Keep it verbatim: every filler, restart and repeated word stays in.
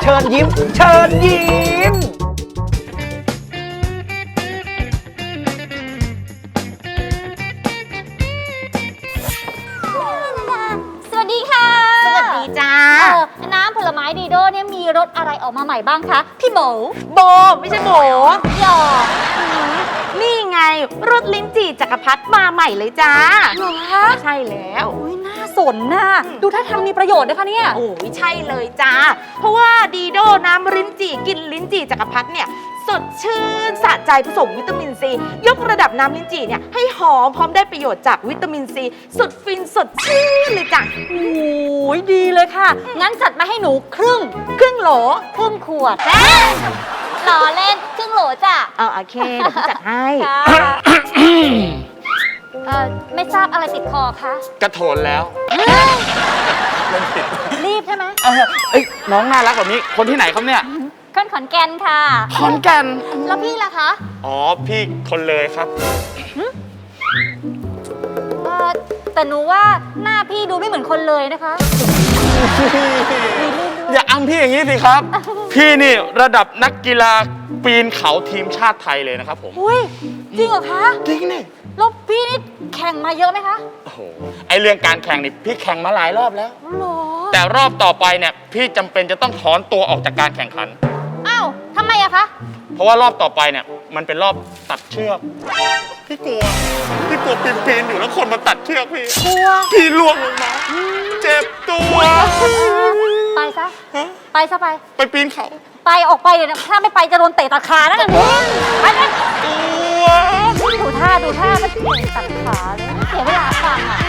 เชิญยิ้มเชิญยิ้มสวัสดีค่ะสวัสดีจ้าน้ำผลไม้ดีโดเนี่ยมีรสอะไรออกมาใหม่บ้างคะพี่หมูโบไม่ใช่โบหยอกนี่ไงรสลิ้นจี่จักรพรรดิมาใหม่เลยจ้าเหรอคะใช่แล้วอุ้ยน่าสนน่ะดูท่าทางมีประโยชน์นะคะเนี่ยโอ้ยใช่เลยจ้าเพราะว่าดีโดน้ำลิ้นจี่กินลิ้นจี่จักรพรรดิเนี่ยสดชื่นสะใจผสมวิตามินซียกระดับน้ำลิ้นจี่เนี่ยให้หอมพร้อมได้ประโยชน์จากวิตามินซีสุดฟินสดชื่นเลยจ้ะโอ้ยดีเลยค่ะงั้นจัดมาให้หนูครึ่งครึ่งโหลครึ่งขวดหล่อเล่นครึ่งโหลจ้ะเอาโอเคเดี๋ยวพี่จัดให้เออไม่ทราบอะไรติดคอคะกระโถนแล้วรีบใช่ไหมเอ้ยน้องน่ารักแบบนี้คนที่ไหนครับเนี่ยคนขอนแก่นค่ะขอนแก่นแล้วพี่ล่ะคะอ๋อพี่คนเลยครับเออแต่หนูว่าหน้าพี่ดูไม่เหมือนคนเลยนะคะอย่าอ้ำพี่อย่างนี้สิครับพี่นี่ระดับนักกีฬาปีนเขาทีมชาติไทยเลยนะครับผมอุ้ยจริงเหรอคะจริงนี่แล้วพี่นี่แข่งมาเยอะไหมคะโอ้โหไอเรื่องการแข่งนี่พี่แข่งมาหลายรอบแล้วหรอแต่รอบต่อไปเนี่ยพี่จำเป็นจะต้องถอนตัวออกจากการแข่งขันอ้าวทำไมอะคะเพราะว่ารอบต่อไปเนี่ยมันเป็นรอบตัดเชือกพี่กลัวพี่กลัวปีนปีนอยู่แล้วคนมาตัดเชือกพี่กลัวพี่ล่วงลงมาเจ็บตัวไปซะไปซะไปไปปีนเขาไปออกไปเดี๋ยวถ้าไม่ไปจะโดนเตะตัดขานะนั่นไปเลยตัวดูท่าดูท่าไม่เตะตัดขาเลยเสียเวลาฟังอะ